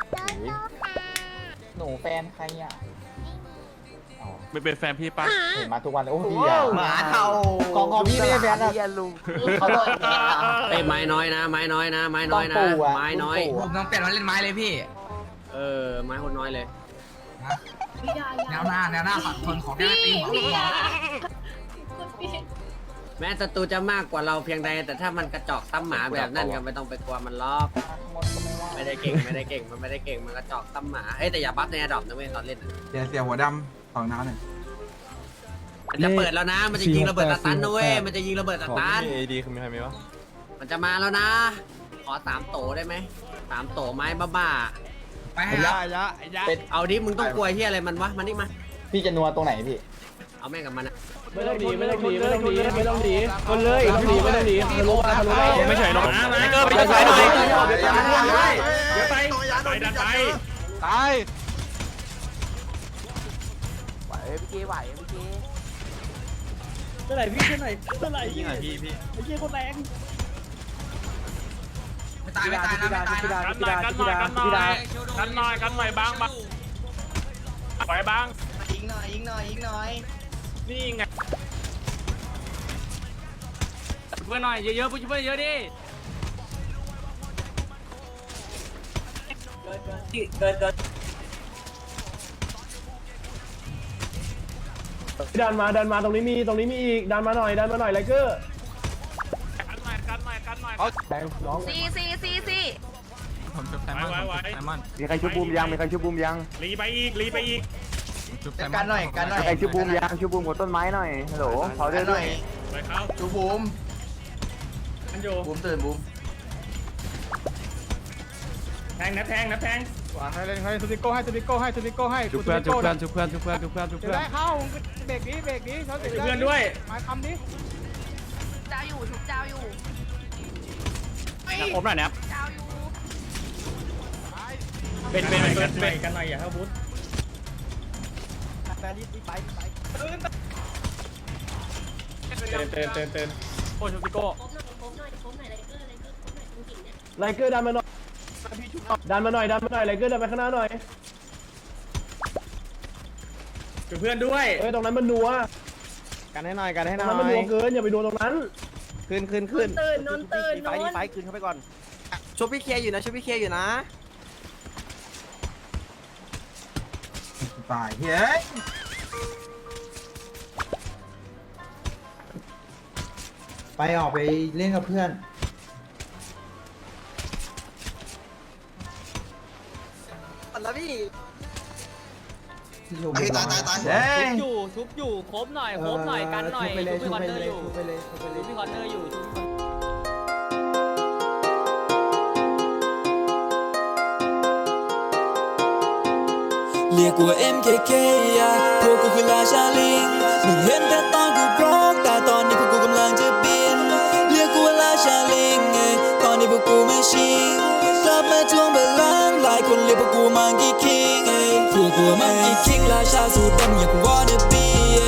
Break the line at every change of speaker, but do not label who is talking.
หนูแฟนใครอ่ะอ๋อ
เป็นแฟนพี่ปะ
เห็นมาทุกวันเลยโอ้พี่อ่ะ
หมาเทา
ของพี่ไม่ใช่แฟนนะลุงเขาต้อง
เอ้ยไม้น้อยนะไม้น้อยนะไม้น้อยนะ
ต้องปู่อะ
ไม้น้อย
ผมต้องเปลี่ยนมาเล่นไม้เลยพี่
เออไม้คนน้อยเลย
แนวหน้าฝักทนของแนวตีหัวหัว
แม้ศัตรูจะมากกว่าเราเพียงใดแต่ถ้ามันกระจอกตั้มหมาแบบนั้นก็ไม่ต้องไปกลัวมันล็อกไม่ได้เก่งมันไม่ได้เก่งมันกระจอกตั้มหมาเฮ้ยแต่อย่าบัฟในแอดดอปนะเว้ยตอนเล่นน่ะ
เสียหัวดำของน้าหน่อย
มันจะเปิดแล้วนะมันจะยิงระเบิดสตันนะเว้ยมันจะยิงระเบิดสตัน
เอดีคือมีใครมีวะ
มันจะมาแล้วนะ ขอ3 โตได้ไหม3 โตไม้บ้า
ไปให้ครับ
เป็น
ๆเอาดิมึงต้องกลัวที่อะไรมันวะมันนี่มา
พี่จะนัวตรงไหนพี่
เอาแม่งกับมันอะ
ไม่ต้องดีคนเลยต้องดีไม่ต้องดีทะลุมาทะลุมา
ไม่เฉยหรอกนะไอ้เกอร์ไปจะไปหน่อยเดี๋ยวไปดันไป
ตาย
เท่าไหร่พี่เท่าไหร่เท่าไหร่พี่
พี่
ไอ้เชี่ยคนแรง
ไม่ตายนะไม่ตายนะ
กันหน่อยบางปล่อยบาง
ยิงหน่อย
นี่ไงเพื่อนหน่อยเยอะๆเพื่อนเยอะดิ
ดันมาตรงนี้มีอีกดันมาหน่อยไลเกอร์
กันหน่อย
แรงน้อง
ซี
ผมจุบไซมอนผมจุบไซมอน
มีใครชุบบูมยัง
รีไปอีก
จุบไซมอน
กันหน่อย
ใครชุบบูมกับต้นไม้หน่อยฮัลโหลเขา
กันหน่อย
ไปเขา
ดูบูม
มันอยู่
บูมตื่นบูม
แทงนะแทง
ให้เลยให้ทูบิโก้ให้ทูบิโก้ให้
จุบเพื่อน
ได้เข้าเบรกนี้เขาเบรก
เพื่อนด้วย
มาคำนี้
เจ้าอยู่ทุกเจ้าอยู่
ผมหน่อยนะ
เจ้าอยู่
เป็นกันหน่อยอย่าเข้าบูธเตือนโอ้ชูติโก้
ไลเกอร์ดันมาหน่อยไลเกอร์ดันไปข้างหน้าหน่อย
จุบเพื่อนด้วย
เอ้ยตรงนั้นมันนัว
กันให้หน่อย
ตรงนั้นมันนัวเกินอย่าไปโดนตรงนั้น
ขึ้น
ตื่นนอนตื่นนอน
ขึ้นเข้าไปก่อน
ชุบพี่เคอยู่นะ
ตายเฮ้ยไปออกไปเล่นกับเพื่อน
แล้วพี่
ตายเฮ้
ชุบอยู่ครบหน่อยกันหน่อยชุบพี่คอนเนอร์อยู่ชุบพี่คอนเนอร์อยู่
เรียกว่า MKK อะพวกกูคือราชาลิงมึงเห็นแต่ตอนกูร้องแต่ตอนนี้พวกกูกำลังจะบินเรียกกูว่าราชาลิงไงตอนนี้พวกกูไม่ชิงกลับมาทวงบัลลังก์หลายคนเรียกพวกกูมังกี้คิงพวกกูมังกี้คิงราชาสูดดำอยาก wanna be